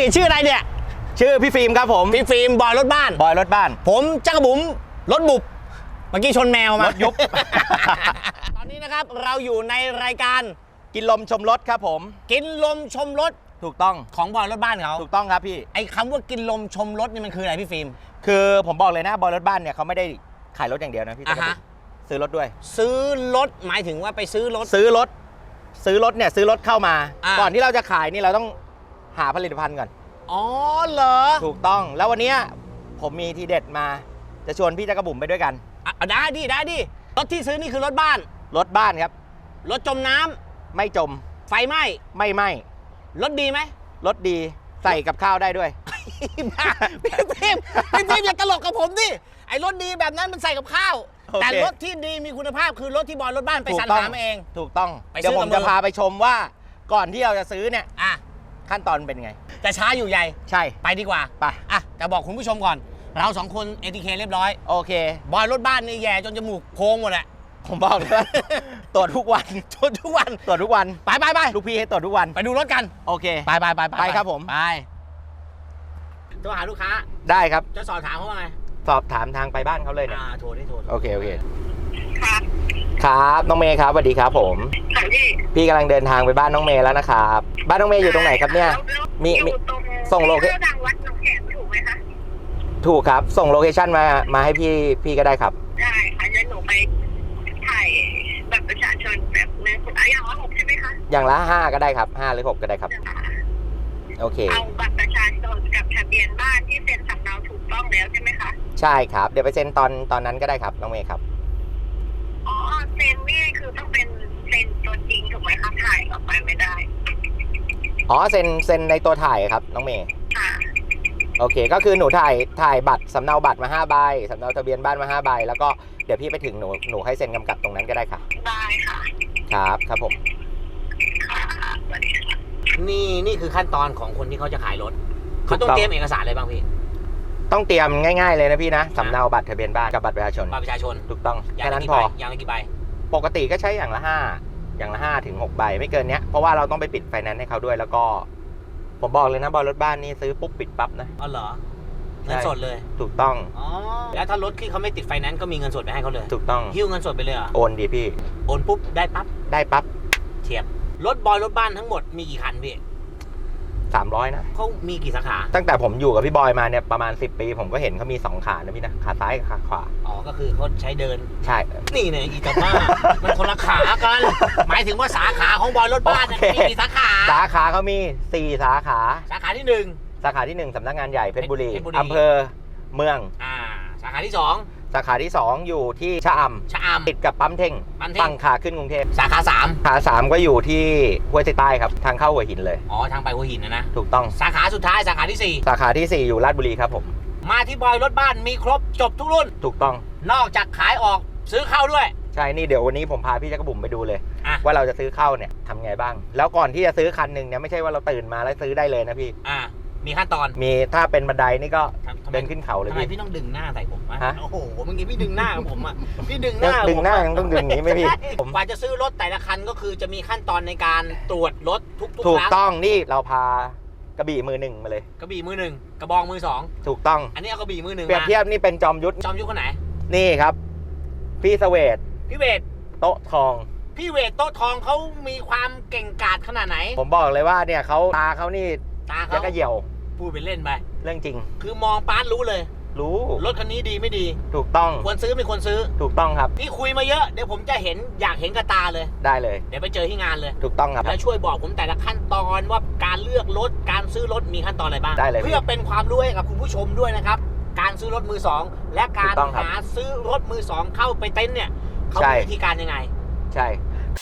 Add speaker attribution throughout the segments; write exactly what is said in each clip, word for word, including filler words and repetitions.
Speaker 1: ชื่ออะไรเนี่ย
Speaker 2: ชื่อพี่ฟิล์มครับผม
Speaker 1: พี่ฟิล์มบอยรถบ้าน
Speaker 2: บอยรถบ้าน
Speaker 1: ผมจักรบุ๋มรถบุบเมื่อกี้ชนแมวมาร
Speaker 2: ถยุบ
Speaker 1: ตอนนี้นะครับเราอยู่ในรายการ
Speaker 2: กินลมชมรถครับผม
Speaker 1: กินลมชมรถ
Speaker 2: ถูกต้อง
Speaker 1: ของบอยรถบ้านเขา
Speaker 2: ถูกต้องครับพี่
Speaker 1: ไอ้คำว่ากินลมชมรถนี่มันคืออะไรพี่ฟิล์ม
Speaker 2: คือผมบอกเลยนะบอยรถบ้านเนี่ยเขาไม่ได้ขายรถอย่างเดียวนะพี่จักรบุ๋มซื้อรถด้วย
Speaker 1: ซื้อรถหมายถึงว่าไปซื้อรถ
Speaker 2: ซื้อรถซื้อรถเนี่ยซื้อรถเข้ามาก่อนที่เราจะขายนี่เราต้องหาผลิตภัณฑ์ก่อน
Speaker 1: อ๋อเหรอ
Speaker 2: ถูกต้องแล้ววันนี้ผมมีทีเด็ดมาจะชวนพี่จักรบุ๋มไปด้วยกัน
Speaker 1: อ่ะได้ดิได้ดิรถที่ซื้อนี่คือรถบ้าน
Speaker 2: รถบ้านครับ
Speaker 1: รถจมน้ำ
Speaker 2: ไม่จม
Speaker 1: ไฟไหม้
Speaker 2: ไม่ไหม้
Speaker 1: รถดีไหม
Speaker 2: รถดีใส่กับข้าวได้ด้วย
Speaker 1: พี่พี่พี่พี่อย่าตลกกับผมดิไอ้รถดีแบบนั้นมันใส่กับข้าวแต่รถที่ดีมีคุณภาพคือรถที่บอยรถบ้านไปสรรหามาเอง
Speaker 2: ถูกต้องเดี๋ยวผมจะพาไปชมว่าก่อนที่เราจะซื้อเนี่ย
Speaker 1: อ่ะ
Speaker 2: ขั้นตอนเป็นไง
Speaker 1: จะช้าอยู่ใหญ่
Speaker 2: ใช่
Speaker 1: ไปดีกว่า
Speaker 2: ไป
Speaker 1: อ่ะแต่บอกคุณผู้ชมก่อนเราสองคน เอ ที เค เรียบร้อย
Speaker 2: โอเค
Speaker 1: บอยรถบ้านนี่แย่จนจมูกโค้งหมดแหละ
Speaker 2: ผมบอกเลยว่าตรวจทุกวัน
Speaker 1: ตรวจทุกวัน
Speaker 2: ตรวจทุกวัน
Speaker 1: ไปไปไป
Speaker 2: ลูกพี่ให้ตรวจทุกวัน
Speaker 1: ไปดูรถกัน
Speaker 2: โอเค
Speaker 1: ไปไปไป
Speaker 2: ไปครับผม
Speaker 1: ไปโทรหาลูกค้า
Speaker 2: ได้ครับ
Speaker 1: จะสอบถามเขาว่าไง
Speaker 2: สอบถามทางไปบ้านเขาเลยเนี่ย
Speaker 1: อ่าโทรได้โทร
Speaker 2: โอเคโอเคครับครับน้องเมย์ครับสวัสดีครับผม
Speaker 3: พี่
Speaker 2: พี่กำลังเดินทางไปบ้านน้องเมย์แล้วนะครับบ้านน้องเมย์อยู่ตรงไหนครับเนี่ยมีมีส่งโลเคชั่น
Speaker 3: ดังวัดหนองแขมถูกไหมคะ
Speaker 2: ถูกครับส่งโลเคชั่นมามาให้พี่พี่ก็ได้ครับ
Speaker 3: ได้ค่ะเดี๋ยวหนูไปถ่ายแบบประชาชนแบบในคุณอาอย่างละหกใช่ไหมคะ
Speaker 2: อย่างละห้าก็ได้ครับห้าหรือหกก็ได้ครับโอเค
Speaker 3: เอาบัตรประชาชนกับทะเบียนบ้านที่เซ็นสำเนาถูกต้องแล้วใช่ไหมคะ
Speaker 2: ใช่ครับเดี๋ยวไปเซ็นตอนตอนนั้นก็ได้ครับน้องเมย์ครับ
Speaker 3: อ๋อเซ็นนี่คือต้องเป็นเซ็นตัวจริงถูกไหมคะถ่ายออกไปไม่ได้
Speaker 2: อ๋อเซ็นเซ็นในตัวถ่ายครับน้องเมย์
Speaker 3: ค่ะ
Speaker 2: โอเคก็คือหนูถ่ายถ่ายบัตรสำเนาบัตรมาห้าใบสำเนาทะเบียนบ้านมาห้าใบแล้วก็เดี๋ยวพี่ไปถึงหนูหนูให้เซ็นกำกับตรงนั้นก็ได้ค่ะ
Speaker 3: ได้ค่ะ
Speaker 2: ครับครับผม
Speaker 3: ค่ะสวัสดีค่ะ
Speaker 1: นี่นี่คือขั้นตอนของคนที่เขาจะขายรถเขาต้องเตรียมเอกสารอะไรบ้างพี่
Speaker 2: ต้องเตรียมง่ายๆเลยนะพี่นะสำเนาบัตรทะเบียนบ้านกับบัตรประชาชน
Speaker 1: บัตรประชาชน
Speaker 2: ถูกต้องแค่นั้นพอ
Speaker 1: อย่างละกี่ใบ
Speaker 2: ปกติก็ใช้อย่างละห้าอย่างละห้าถึงหกใบไม่เกินเนี้ยเพราะว่าเราต้องไปปิดไฟแนนซ์ให้เขาด้วยแล้วก็ผมบอกเลยนะบอยรถบ้านนี่ซื้อปุ๊บปิดปั๊บนะ
Speaker 1: อ๋อเหรอเงินสดเลย
Speaker 2: ถูกต้อง
Speaker 1: อ๋อแล้วถ้ารถที่เขาไม่ติดไฟแนนซ์ก็มีเงินสดไปให้เขาเลย
Speaker 2: ถูกต้อง
Speaker 1: หิ้วเงินสดไปเลยเหรอ
Speaker 2: โอนดีพี่
Speaker 1: โอนปุ๊บได้ปั๊บ
Speaker 2: ได้ปั๊บ
Speaker 1: เทียบรถบอยรถบ้านทั้งหมดมีกี่คันพี่
Speaker 2: สามร้อยนะ
Speaker 1: เขามีกี่สาขา
Speaker 2: ตั้งแต่ผมอยู่กับพี่บอยมาเนี่ยประมาณสิบปีผมก็เห็นเขามีสองขานะพี่นะขาซ้ายกับขาขวา
Speaker 1: อ๋อก็คือเขาใช้เดิน
Speaker 2: ใช่
Speaker 1: นี่เนี่ยอีกาบ้ามันคนละขากันหมายถึงว่าสาขาของบอยรถบ้านเนี่ยมีกี่สาขา
Speaker 2: สาขาเขามีสี่สาขา
Speaker 1: สาขาที่หนึ่ง
Speaker 2: สาขาที่หนึ่งสำนักงานใหญ่เพชรบุรีอำเภอเมือง
Speaker 1: อ่าสาขาที่สอง
Speaker 2: สาขาที่สองอยู่ที่ชะอำ
Speaker 1: ชะอำ
Speaker 2: ติดกับปั๊มเท่งฝั่งขาขึ้นกรุงเทพ
Speaker 1: สาขาสาม
Speaker 2: ขาสามก็อยู่ที่ห้วยใต้ครับทางเข้าหัวหินเลย
Speaker 1: อ๋อทางไปหัวหินนะนะ
Speaker 2: ถูกต้อง
Speaker 1: สาขาสุดท้ายสาขาที่สี่
Speaker 2: สาขาที่สี่อยู่ราชบุรีครับผม
Speaker 1: มาที่บอยรถบ้านมีครบจบทุกรุ่น
Speaker 2: ถูกต้อง
Speaker 1: นอกจากขายออกซื้อเข้าด้วย
Speaker 2: ใช่นี่เดี๋ยววันนี้ผมพาพี่จักรบุ๋มไปดูเลยว่าเราจะซื้อเข้าเนี่ยทำไงบ้างแล้วก่อนที่จะซื้อคันหนึ่งเนี่ยไม่ใช่ว่าเราตื่นมาแล้วซื้อได้เลยนะพี่
Speaker 1: อ่ามีขั้นตอน
Speaker 2: มีถ้าเป็นบันไดนี่ก็เดินขึ้นเขาเลย
Speaker 1: ทำไมพี่ต้องดึงหน้าใส่ผมวะโอ้โหเมื่อกี้พี่ดึงหน้าผมอ่ะพี่ดึงหน้า
Speaker 2: ดึงหน้ายังต้องดึงนี้ไหมพี่
Speaker 1: ผมกว่าจะซื้อรถแต่ละคันก็คือจะมีขั้นตอนในการตรวจรถทุกๆครั้ง
Speaker 2: ถูกต้องนี่เราพากระบี่มือหนึ่งมาเลย
Speaker 1: กระบี่มือหนึ่งกระบองมือสอง
Speaker 2: ถูกต้อง
Speaker 1: อันนี้เอากระบี่มือหนึ่ง
Speaker 2: เปรียบเทียบนี่เป็นจอมยุทธ
Speaker 1: จอมยุทธคนไหน
Speaker 2: นี่ครับพี่เสวต
Speaker 1: พี่เวท
Speaker 2: โต๊ะทอง
Speaker 1: พี่เวทโต๊ะทองเขามีความเก่งกาจขนาดไหน
Speaker 2: ผมบอกเลยว่าเนี่ยเขาตาเขานี่
Speaker 1: ตาเขา
Speaker 2: ก็เหี่ยว
Speaker 1: พูดเป็นเล่นไป
Speaker 2: เรื่องจริง
Speaker 1: คือมองป้านรู้เลย
Speaker 2: รู้
Speaker 1: รถคันนี้ดีไม่ดี
Speaker 2: ถูกต้อง
Speaker 1: ควรซื้อไม่ควรซื้อ
Speaker 2: ถูกต้องครับ
Speaker 1: พี่คุยมาเยอะเดี๋ยวผมจะเห็นอยากเห็นกระตาเลย
Speaker 2: ได้เลย
Speaker 1: เดี๋ยวไปเจอที่งานเลย
Speaker 2: ถูกต้องครับ
Speaker 1: แล้วช่วยบอกผมแต่ละขั้นตอนว่าการเลือกรถการซื้อรถมีขั้นตอนอะไรบ้าง
Speaker 2: ได้เลย
Speaker 1: เพื่อเป็นความรู้ให้กับคุณผู้ชมด้วยนะครับการซื้อรถมือสองและการหาซื้อรถมือสองเข้าไปเต็นท์เนี่ยเขามีวิธีการยังไง
Speaker 2: ใช่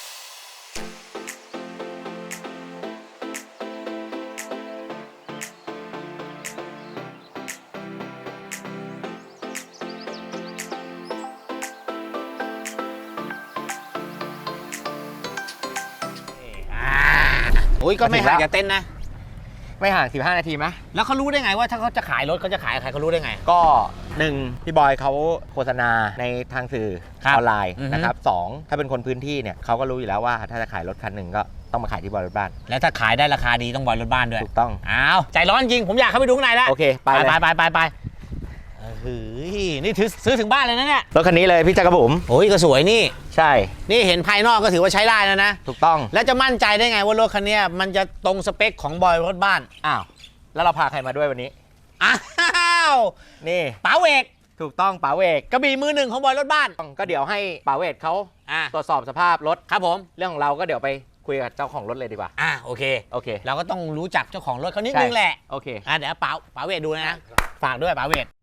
Speaker 1: โอ้ยก็ไม่ห่างจากเต้นนะ
Speaker 2: ไม่ห่างสิบห้านาทีไหม
Speaker 1: แล้วเขารู้ได้ไงว่าถ้าเขาจะขายรถเขาจะขายใครเขารู้ได้ไง
Speaker 2: ก็หนึ่งพี่บอยเขาโฆษณาในทางสื่อออนไลน์นะครับสองถ้าเป็นคนพื้นที่เนี่ยเขาก็รู้อยู่แล้วว่าถ้าจะขายรถคันหนึ่งก็ต้องมาขายที่บอยรถบ้าน
Speaker 1: แล้วถ้าขายได้ราคาดีต้องบอยรถบ้านด้วย
Speaker 2: ถูกต้อง
Speaker 1: อ้าวใจร้อนจริงผมอยากเข้าไปดูข้างในแล้ว
Speaker 2: โอเคไป
Speaker 1: ไป
Speaker 2: เลย
Speaker 1: ไปไปไปเฮ้ยนี่ถือซื้อถึงบ้านเลยนะเนี่ย
Speaker 2: รถคันนี้เลยพี่จักรบุ๋ม
Speaker 1: โอ้ยก็สวยนี่
Speaker 2: ใช่
Speaker 1: นี่เห็นภายนอกก็ถือว่าใช้ได้แล้วนะ
Speaker 2: ถูกต้อง
Speaker 1: แล้วจะมั่นใจได้ไงว่ารถคันนี้มันจะตรงสเปคของบอยรถบ้าน
Speaker 2: อ้าวแล้วเราพาใครมาด้วยวันนี้
Speaker 1: อ้าว
Speaker 2: นี่
Speaker 1: ป๋าเวก
Speaker 2: ถูกต้องป๋าเวก
Speaker 1: กระบี่มือหนึ่งของบอยรถบ้าน
Speaker 2: ก็เดี๋ยวให้ป๋าเวกเขา
Speaker 1: อ่ะ
Speaker 2: ตรวจสอบสภาพรถ
Speaker 1: ครับผม
Speaker 2: เรื่องของเราก็เดี๋ยวไปคุยกับเจ้าของรถเลยดีกว่า
Speaker 1: อ่ะโอเค
Speaker 2: โอเค
Speaker 1: เราก็ต้องรู้จักเจ้าของรถเขานิด
Speaker 2: ใช่
Speaker 1: นึงแหละ
Speaker 2: โอเค
Speaker 1: อ่ะเดี๋ยวป๋าป๋าเวทดูนะฝากด้วยป๋าเวท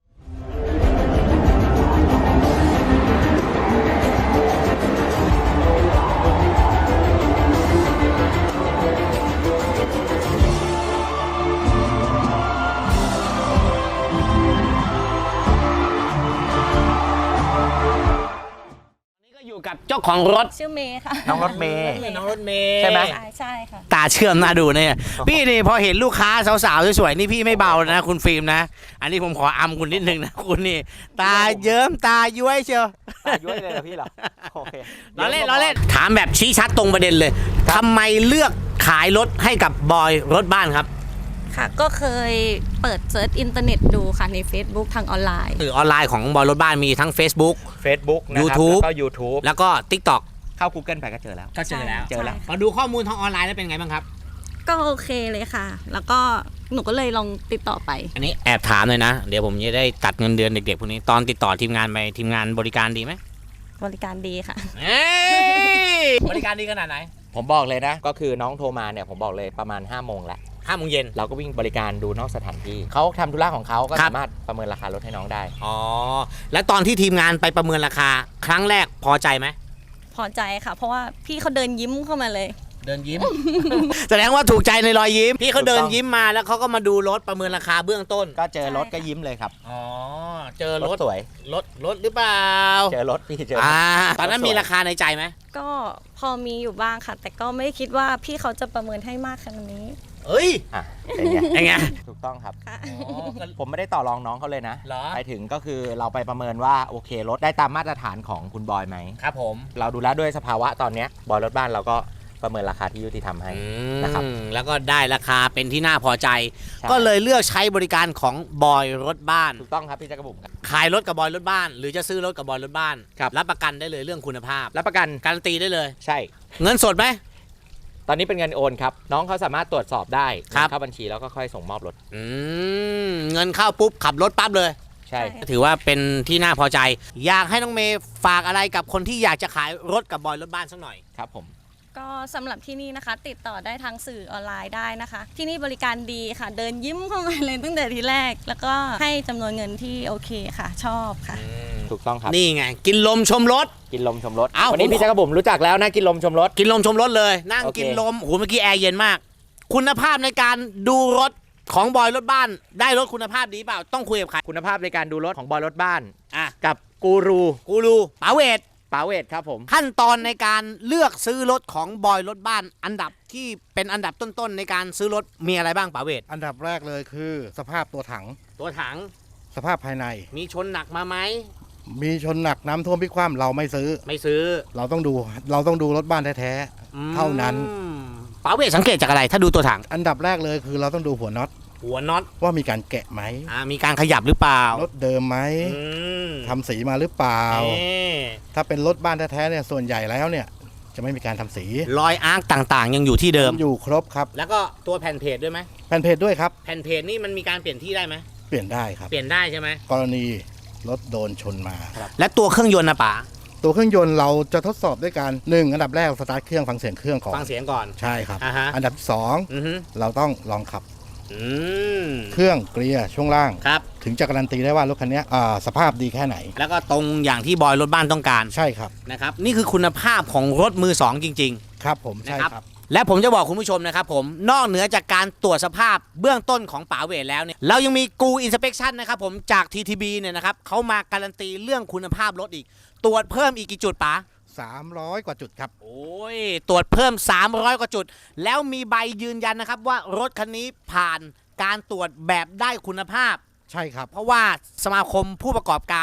Speaker 1: อยู่กับเจ้าของรถ
Speaker 4: ชื่อเมย์ค่ะ
Speaker 2: น้องรถเมย์
Speaker 1: น้องรถเมย์
Speaker 2: ใช่ไหม
Speaker 4: ใช่ใช่ค่ะ
Speaker 1: ตาเชื่อมน่าดูเนี่ยพี่นี่พอเห็นลูกค้าสาวๆสวยๆนี่พี่ไม่เบานะคุณฟิล์มนะ อันนี้ผมขออำคุณนิดนึงนะคุณนี่ตาเยิ้มตาย้วยเชียว
Speaker 2: ตาย้วยเลยเหรอพี่เหรอโอเค
Speaker 1: ล้อเล่นล้อเล่นถามแบบชี้ชัดตรงประเด็นเลยทำไมเลือกขายรถให้กับบอยรถบ้านครับ
Speaker 4: ค่ะ ก็เคยเปิดเซิร์ชอินเทอร์เน็ตดูค่ะใน Facebook ทางออนไลน์
Speaker 1: สื่อออนไลน์ของบอยรถบ้านมีทั้ง Facebook
Speaker 2: Facebook นะครับ
Speaker 1: YouTube
Speaker 2: แล้วก็ YouTube
Speaker 1: แล้วก็ TikTok
Speaker 2: เข้า Google ไปก็เจอแล้ว
Speaker 1: ก็เจอแล้ว
Speaker 2: เจอแล้ว
Speaker 1: พอดูข้อมูลทางออนไลน์แล้วเป็นไงบ้างครับ
Speaker 4: ก็โอเคเลยค่ะ แล้วก็หนูก็เลยลองติดต่อไป
Speaker 1: อันนี้แอบถามเลยนะ เดี๋ยวผมจะได้ตัดเงินเดือนเด็กๆพวกนี้ตอนติดต่อทีมงานไปทีมงานบริการดีไหม
Speaker 4: บริการดีค่ะ
Speaker 1: เอ้ยบริการดีขนาดไหน
Speaker 2: ผมบอกเลยนะ ก็คือน้องโทรมาเนี่ยผมบอกเลยประมาณห้าโมงแล้ว
Speaker 1: ห้าโมงเย็น
Speaker 2: เราก็วิ่งบริการดูนอกสถานที่เขาทำธุระของเขาก็
Speaker 1: ครับ
Speaker 2: สามารถประเมินราคารถให้น้องได้
Speaker 1: อ๋อแล้วตอนที่ทีมงานไปประเมินราคา ครั้งแรกพอใจไหม
Speaker 4: พอใจค่ะ เพราะว่าพี่เขาเดินยิ้มเข้ามาเลย
Speaker 1: เดินยิ้ม แสดงว่าถูกใจในรอยยิ้มพี่เขาเดิน
Speaker 2: ถูกต้อง
Speaker 1: ยิ้มมาแล้วเขาก็มาดูรถประเมินราคาเบื้องต้น
Speaker 2: ก็เจอรถ
Speaker 4: ใช่
Speaker 2: ก็
Speaker 4: ค่ะ
Speaker 2: ยิ้มเลยครับ
Speaker 1: อ๋อเจอ
Speaker 2: ร
Speaker 1: ร
Speaker 2: ถ
Speaker 1: ถ
Speaker 2: สวย
Speaker 1: รถรถหรือเปล่า
Speaker 2: เจอรถพี่เจอรถ
Speaker 1: อ่าตอนนั้น
Speaker 2: รถสวย
Speaker 1: มีราคาในใจไหม
Speaker 4: ก็พอมีอยู่บ้างค่ะ แต่ก็ไม่คิดว่าพี่เขาจะประเมินให้มากขนาดนี้
Speaker 1: เอ้ย
Speaker 2: อ่ะเป็นไง
Speaker 1: ยังไง
Speaker 2: ถูกต้องครับ
Speaker 4: ค่ะ
Speaker 2: ผมไม่ได้ต่อรองน้องเขาเลยนะ
Speaker 1: เหรอ
Speaker 2: ไปถึงก็คือเราไปประเมินว่าโอเครถได้ตามมาตรฐานของคุณบอยไหม
Speaker 1: ครับผม
Speaker 2: เราดูแล้วด้วยสภาวะตอนเนี้ยบอยรถบ้านเราก็ประเมินราคาที่ยุติธรรมให้ นะครับ
Speaker 1: อืมแล้วก็ได้ราคาเป็นที่น่าพอใจ
Speaker 2: ใช่
Speaker 1: ก็เลยเลือกใช้บริการของบอยรถบ้าน
Speaker 2: ถูกต้องครับพี่จักรบุ๋มครับ
Speaker 1: ขายรถกับบอยรถบ้าน หรือจะซื้อรถกับบอยรถบ้าน
Speaker 2: ครับ
Speaker 1: รับประกันได้เลยเรื่องคุณภาพ
Speaker 2: รับประกัน
Speaker 1: การันตีได้เลย
Speaker 2: ใช่
Speaker 1: เงินสดไหม
Speaker 2: ตอนนี้เป็นเงินโอนครับ น้องเขาสามารถตรวจสอบได้
Speaker 1: ครับ
Speaker 2: เงินเข้าบัญชีแล้วก็ค่อยส่งมอบรถ
Speaker 1: อืมเงินเข้าปุ๊บขับรถปั๊บเลย
Speaker 2: ใช่
Speaker 4: ใช่
Speaker 1: ถือว่าเป็นที่น่าพอใจ อยากให้น้องเมย์ฝากอะไรกับคนที่อยากจะขายรถกับบอยรถบ้านสักหน่อย
Speaker 2: ครับผม
Speaker 4: ก็สำหรับที่นี่นะคะ ติดต่อได้ทางสื่อออนไลน์ได้นะคะ ที่นี่บริการดีค่ะ เดินยิ้มเข้ามาเลยตั้งแต่ทีแรก แล้วก็ให้จำนวนเงินที่โอเคค่ะ ชอบค่ะ
Speaker 2: ถูกต้องครับ
Speaker 1: นี่ไง กินลมชมรถ
Speaker 2: กินลมชมรถ
Speaker 1: เอ้า
Speaker 2: วันนี้
Speaker 1: ผม
Speaker 2: พี่จักรบุ๋มรู้จักแล้วนะกินลมชมรถ
Speaker 1: กินลมชมรถเลย นั่ง
Speaker 2: โอเค
Speaker 1: กินลมโอ้โหเมื่อกี้แอร์เย็นมาก คุณภาพในการดูรถของบอยรถบ้าน ได้รถคุณภาพดีเปล่าต้องคุยกับใคร
Speaker 2: คุณภาพในการดูรถของบอยรถบ้าน
Speaker 1: อ่ะ
Speaker 2: กับกูรู
Speaker 1: กูรูป๋าเวท
Speaker 2: ป๋าเวทครับผม
Speaker 1: ขั้นตอนในการเลือกซื้อรถของบอยรถบ้าน อันดับที่เป็นอันดับต้นๆในการซื้อรถมีอะไรบ้างป๋าเวท
Speaker 5: อันดับแรกเลยคือสภาพตัวถัง
Speaker 1: ตัวถัง
Speaker 5: สภาพภายใน
Speaker 1: มีชนหนักมาไหม
Speaker 5: มีชนหนักน้ำท่วมพิกคว่ำเราไม่ซื้อ
Speaker 1: ไม่ซื้อ
Speaker 5: เราต้องดูเราต้องดูรถบ้านแท้
Speaker 1: อืม
Speaker 5: เท่านั้น
Speaker 1: ป๋าเวทสังเกตจากอะไร ถ้าดูตัวถัง
Speaker 5: ๆ อันดับแรกเลยคือเราต้องดูหัวน็อต
Speaker 1: หัวน็อต
Speaker 5: ว่ามีการแกะไหม
Speaker 1: อ่ามีการขยับหรือเปล่าร
Speaker 5: ถเดิมไหม
Speaker 1: อืม
Speaker 5: ทำสีมาหรือเปล่า
Speaker 1: เอ๊ะ
Speaker 5: ถ้าเป็นรถบ้านแท้ๆเนี่ยส่วนใหญ่แล้วเนี่ยจะไม่มีการทำสี
Speaker 1: รอยอาร์คต่างๆ ยังอยู่ที่เดิม
Speaker 5: อยู่ครบครับ
Speaker 1: แล้วก็ตัวแผ่นเพจด้วยไหม
Speaker 5: แผ่นเพจด้วยครับ
Speaker 1: แผ่นเพจนี่มันมีการเปลี่ยนที่ได้ไหม
Speaker 5: เปลี่ยนได้ครับ
Speaker 1: เปลี่ยนได้ใช่ไหม
Speaker 5: กรณีรถโดนชนมา
Speaker 1: และตัวเครื่องยนต์นะป๋า
Speaker 5: ตัวเครื่องยนต์เราจะทดสอบด้วยการหนึ่งอันดับแรกสตาร์ทเครื่องฟังเสียงเครื่องก่อน
Speaker 1: ฟังเสียงก่อน
Speaker 5: ใช่ครับ
Speaker 1: อ่าฮะ
Speaker 5: อันดับที่สอง
Speaker 1: อือฮึ
Speaker 5: เราต้องลองขับ
Speaker 1: อืม
Speaker 5: เครื่องเกียร์ช่วงล่าง
Speaker 1: ครับ
Speaker 5: ถึงจะการันตีได้ว่ารถคันนี้อ่าสภาพดีแค่ไหน
Speaker 1: แล้วก็ตรงอย่างที่บอยรถบ้านต้องการ
Speaker 5: ใช่ครับ
Speaker 1: นะครับ นี่คือคุณภาพของรถมือสองจริง
Speaker 5: ครับผม
Speaker 1: ๆ
Speaker 5: ใช่
Speaker 1: นะครับ
Speaker 5: ครับ
Speaker 1: และผมจะบอกคุณผู้ชมนะครับผมนอกเหนือจากการตรวจสภาพเบื้องต้นของป๋าเวทแล้วเนี่ยเรายังมีกูอินสเปคชั่นนะครับผมจาก ที ที บี เนี่ยนะครับเขามาการันตีเรื่องคุณภาพรถอีก ตรวจเพิ่มอีกกี่จุดป๋า
Speaker 5: สามร้อยกว่าจุดครับ
Speaker 1: โอ้ยตรวจเพิ่มสามร้อยกว่าจุด แล้วมีใบยืนยันนะครับว่ารถคันนี้ผ่านการตรวจแบบได้คุณภาพ
Speaker 5: ใช่ครับ
Speaker 1: เพราะว่าสมาคมผู้ประกอบการ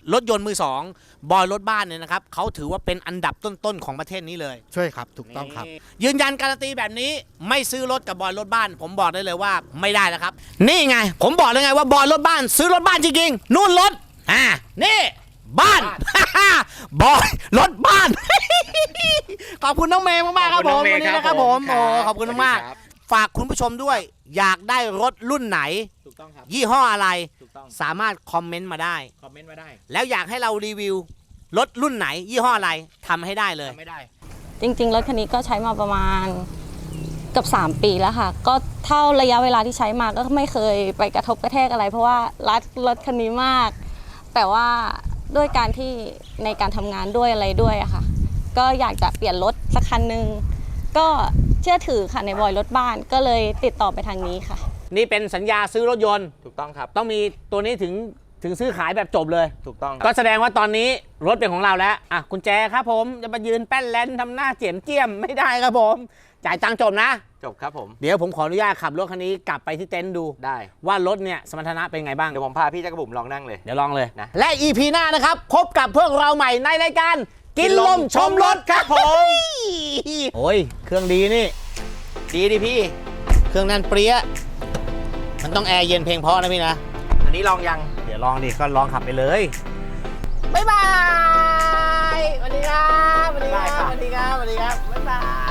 Speaker 1: รถยนต์มือสองบอยรถบ้านเนี่ยนะครับเขาถือว่าเป็นอันดับต้นๆของประเทศนี้เลย
Speaker 5: ช่วยครับถูกต้องครับ
Speaker 1: นี่ยืนยันการันตีแบบนี้ไม่ซื้อรถกับบอยรถบ้าน ผมบอกได้เลยว่าไม่ได้แล้วครับ นี่ไง ผมบอกเลยไงว่าบอยรถบ้าน ซื้อรถบ้านจริงๆนู่นรถอ่านี่บ้าน บอยรถบ้าน ขอบคุณน้องเมย์มากๆครับผมวันนี้นะครับผมโอ้ขอบคุณมากๆฝากคุณผู้ชมด้วย อยากได้รถรุ่นไหน
Speaker 2: ถูกต้องครับ
Speaker 1: ยี่ห้ออะไร
Speaker 2: ถูกต้อง
Speaker 1: สามารถคอมเมนต์มาได้
Speaker 2: คอมเมนต์มาได้
Speaker 1: แล้วอยากให้เรารีวิวรถรุ่นไหน ยี่ห้ออะไรทำให้ได้เลย
Speaker 2: ไม่ได้
Speaker 4: จริง ๆ รถคันนี้ก็ใช้มาประมาณเกือบสามปีแล้วค่ะ ก็เท่าระยะเวลาที่ใช้มาก็ไม่เคยไปกระทบกระแทกอะไร เพราะว่ารักรถคันนี้มาก แต่ว่าด้วยการที่ในการทำงานด้วยอะไรด้วยอะค่ะ ก็อยากจะเปลี่ยนรถสักคันหนึ่งก็เชื่อถือค่ะในบอยรถบ้านก็เลยติดต่อไปทางนี้ค่ะ
Speaker 1: นี่เป็นสัญญาซื้อรถยนต์
Speaker 2: ถูกต้องครับ
Speaker 1: ต้องมีตัวนี้ถึงถึงซื้อขายแบบจบเลย
Speaker 2: ถูกต้องค
Speaker 1: ก็
Speaker 2: รับ
Speaker 1: แสดงว่าตอนนี้รถเป็นของเราแล้วอ่ะกุญแจครับผมจะมายืนแป้นแลนทำหน้าเจียมเจียมไม่ได้ครับผม จ่ายตังค์จบนะ
Speaker 2: จบครับผม
Speaker 1: เดี๋ยวผมขออนุญาตขับรถคันนี้กลับไปที่เต็นท์ดู
Speaker 2: ได้
Speaker 1: ว่ารถเนี่ยสมรรถนะเป็นไงบ้าง
Speaker 2: เดี๋ยวผมพาพี่จักรบุ๋มลองนั่งเลย
Speaker 1: เดี๋ยวลองเลย
Speaker 2: นะ
Speaker 1: และ อี พี หน้านะครับพบกับพวกเราใหม่ในรายการกินลมชมรถครับผม โอ้ยเครื่องดีนี่
Speaker 2: ดีดิพี่
Speaker 1: เครื่องแน่นเปรี้ยมันต้องแอร์เย็นเพลงเพราะนะพี่นะ
Speaker 2: อันนี้ลองยัง
Speaker 1: เดี๋ยวลองดิก็ลองขับไปเลย บ๊ายบายสวัสดีครับสวัสดีครับสวัสดีครับสวัสดีครับ บ๊ายบาย